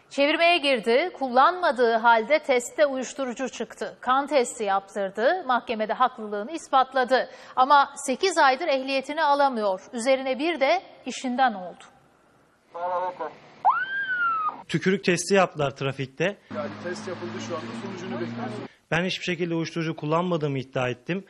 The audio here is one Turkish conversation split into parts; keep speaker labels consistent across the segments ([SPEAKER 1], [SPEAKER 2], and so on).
[SPEAKER 1] Çevirmeye girdi, kullanmadığı halde testte uyuşturucu çıktı. Kan testi yaptırdı, mahkemede haklılığını ispatladı. Ama 8 aydır ehliyetini alamıyor. Üzerine bir de işinden oldu.
[SPEAKER 2] Tükürük testi yaptılar trafikte.
[SPEAKER 3] Yani test yapıldı, şu anda sonucunu bekliyoruz.
[SPEAKER 2] Ben hiçbir şekilde uyuşturucu kullanmadığımı iddia ettim.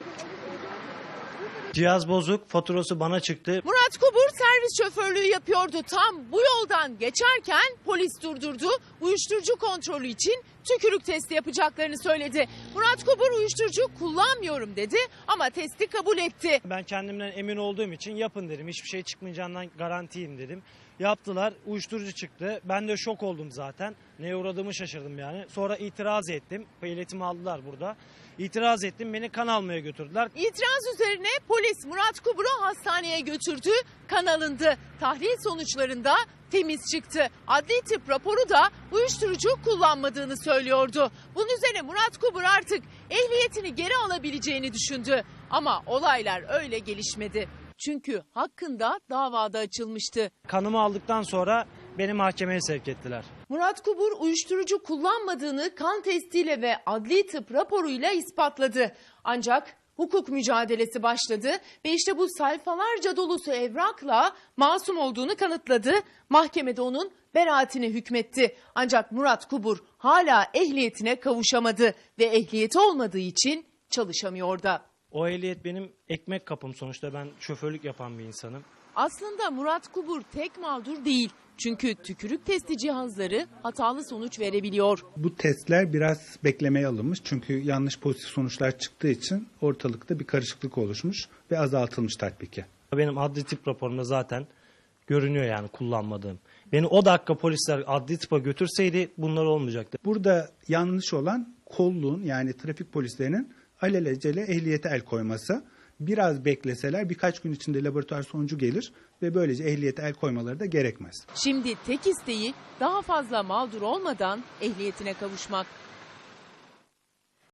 [SPEAKER 2] Cihaz bozuk, faturası bana çıktı.
[SPEAKER 4] Murat Kubur servis şoförlüğü yapıyordu. Tam bu yoldan geçerken polis durdurdu. Uyuşturucu kontrolü için tükürük testi yapacaklarını söyledi. Murat Kubur uyuşturucu kullanmıyorum dedi ama testi kabul etti.
[SPEAKER 2] Ben kendimden emin olduğum için yapın dedim. Hiçbir şey çıkmayacağından garantiyim dedim. Yaptılar, uyuşturucu çıktı. Ben de şok oldum zaten. Neye uğradığımı şaşırdım yani. Sonra itiraz ettim. Ehliyetimi aldılar burada. İtiraz ettim, beni kan almaya götürdüler.
[SPEAKER 4] İtiraz üzerine polis Murat Kubur'u hastaneye götürdü. Kan alındı. Tahlil sonuçlarında temiz çıktı. Adli tıp raporu da uyuşturucu kullanmadığını söylüyordu. Bunun üzerine Murat Kubur artık ehliyetini geri alabileceğini düşündü. Ama olaylar öyle gelişmedi. Çünkü hakkında davada açılmıştı.
[SPEAKER 2] Kanımı aldıktan sonra beni mahkemeye sevk ettiler.
[SPEAKER 4] Murat Kubur uyuşturucu kullanmadığını kan testiyle ve adli tıp raporuyla ispatladı. Ancak hukuk mücadelesi başladı ve işte bu sayfalarca dolusu evrakla masum olduğunu kanıtladı. Mahkemede onun beraatine hükmetti. Ancak Murat Kubur hala ehliyetine kavuşamadı ve ehliyeti olmadığı için çalışamıyor da.
[SPEAKER 2] O ehliyet benim ekmek kapım, sonuçta ben şoförlük yapan bir insanım.
[SPEAKER 4] Aslında Murat Kubur tek mağdur değil. Çünkü tükürük testi cihazları hatalı sonuç verebiliyor.
[SPEAKER 5] Bu testler biraz beklemeye alınmış. Çünkü yanlış pozitif sonuçlar çıktığı için ortalıkta bir karışıklık oluşmuş ve azaltılmış tatbiki.
[SPEAKER 2] Benim adli tıp raporumda zaten görünüyor yani kullanmadığım. Beni o dakika polisler adli tıpa götürseydi bunlar olmayacaktı.
[SPEAKER 5] Burada yanlış olan kolluğun, yani trafik polislerinin alelacele ehliyete el koyması. Biraz bekleseler birkaç gün içinde laboratuvar sonucu gelir ve böylece ehliyete el koymaları da gerekmez.
[SPEAKER 4] Şimdi tek isteği daha fazla mağdur olmadan ehliyetine kavuşmak.